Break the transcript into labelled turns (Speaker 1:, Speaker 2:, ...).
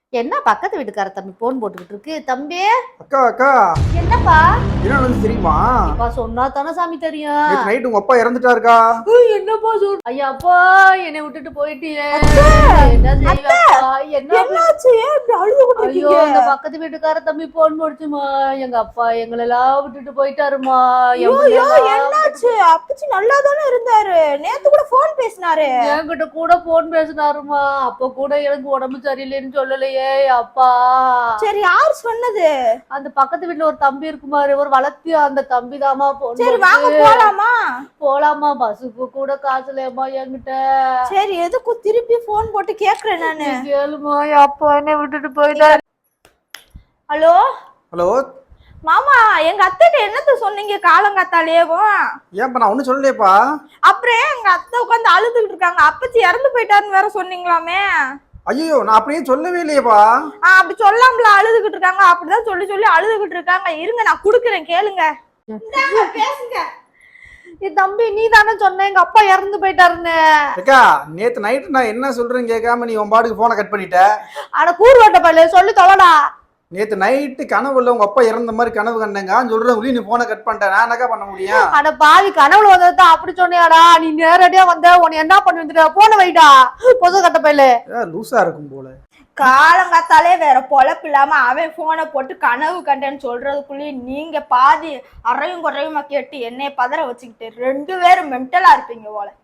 Speaker 1: என்ன பக்கத்து வீட்டுக்கார தம்பி போன் போட்டுக்கிட்டு இருக்கு தம்பி.
Speaker 2: அக்கா அக்கா
Speaker 1: என்னப்பா?
Speaker 2: என்ன நடந்துச்சு தெரியுமா?
Speaker 1: அப்பா சொன்னா தானே சாமி தெரியும்.
Speaker 2: நேத்து நைட் உங்க அப்பா இறந்துட்டாருக்கா.
Speaker 1: என்னப்பா சொல் ஐயா அப்பா என்னை விட்டுட்டு போயிட்டியே.
Speaker 3: என்ன
Speaker 1: செய்வப்பா?
Speaker 3: என்னாச்சு? ஏன் இப்படி அழுதுகிட்டு
Speaker 1: ஐயோ
Speaker 3: இருக்கீங்க?
Speaker 1: அந்த பக்கத்து வீட்டுக்கார தம்பி போன் போடுச்சுமா. எங்க அப்பா எங்களெல்லாம் விட்டுட்டு போயிட்டாருமா.
Speaker 3: ஐயோ என்னாச்சு? அப்பச்சி நல்லா தானே இருந்தாரு. நேத்து கூட போன் பேசினாரு.
Speaker 1: என்கிட்ட கூட போன் பேசினாருமா. அப்ப கூட எனக்கு உடம்பு சரியில்லைன்னு சொல்லலையே அப்பா.
Speaker 3: சரி யார் சொன்னது?
Speaker 1: அந்த பக்கத்து வீட்டுல ஒரு தம்பி இருக்குமாரு, ஒரு வளர்த்தியா அந்த தம்பி தாமா போன்.
Speaker 3: சரி வாங்க போலாமா?
Speaker 1: போலாமா? பஸ்ஸுக்கு கூட காசு இல்லையம்மா என்கிட்ட.
Speaker 3: சரி எதுக்கும் திருப்பி போன் போட்டு கேக்குறேன் நானு.
Speaker 1: கேளுமா அப்பா என்னை விட்டுட்டு போயிட்டாரு.
Speaker 3: ஹலோ
Speaker 2: ஹலோ
Speaker 3: மாமா, எங்க அத்தைட்ட என்னத்த சொன்னீங்க காலங்காத்தாலேவும்?
Speaker 2: ஏன்ப்பா நான் ஒன்றும் சொல்லலையேப்பா.
Speaker 3: அப்புறம் எங்க அத்தை உட்காந்து அழுதுகிட்டு இருக்காங்க. அப்பச்சி இறந்து போயிட்டாருன்னு வேற சொன்னீங்களாமே.
Speaker 2: ஐயோ நான் அப்படியே சொல்லவே இல்லையேப்பா.
Speaker 3: அப்படி சொல்லாமல அழுதுகிட்டு இருக்காங்க. அப்படிதான் சொல்லி சொல்லி அழுதுகிட்டு இருக்காங்க. இருங்க நான் குடுக்குறேன் கேளுங்க. பேசுங்க.
Speaker 1: என் தம்பி நீ தானே சொன்ன எங்க அப்பா இறந்து போயிட்டாருன்னு.
Speaker 2: அக்கா நேத்து நைட்டு நான் என்ன சொல்றேன்னு கேட்காம நீ உன் பாட்டுக்கு போனை கட் பண்ணிட்ட.
Speaker 1: ஆனா கூறுவாட்ட பல்ல சொல்லி தொலைடா.
Speaker 2: நேத்து நைட்டு கனவுல உங்க அப்பா இறந்த மாதிரி கனவு கண்டேங்கன்னு சொல்றேன். நீ போனை கட் பண்ணிட்ட. நான் என்னக்கா பண்ண முடியும்?
Speaker 1: ஆனா பாவி கனவுல வந்ததான் அப்படி சொன்னியாடா. நீ நேரடியா வந்த உன்னை என்ன பண்ணி வந்துட்ட? போன வைடா பொது கட்ட பையில.
Speaker 2: லூசா இருக்கும் போல.
Speaker 3: காலங்காத்தாலே வேற பொழப்பு இல்லாம அவன் போனை போட்டு கனவு கண்டேன்னு சொல்றதுக்குள்ளேயும் நீங்க பாதி அறையும் குறையுமா கேட்டு என்னைய பதற வச்சுக்கிட்டு 2 பேரும் மென்டலா இருப்பீங்க போல.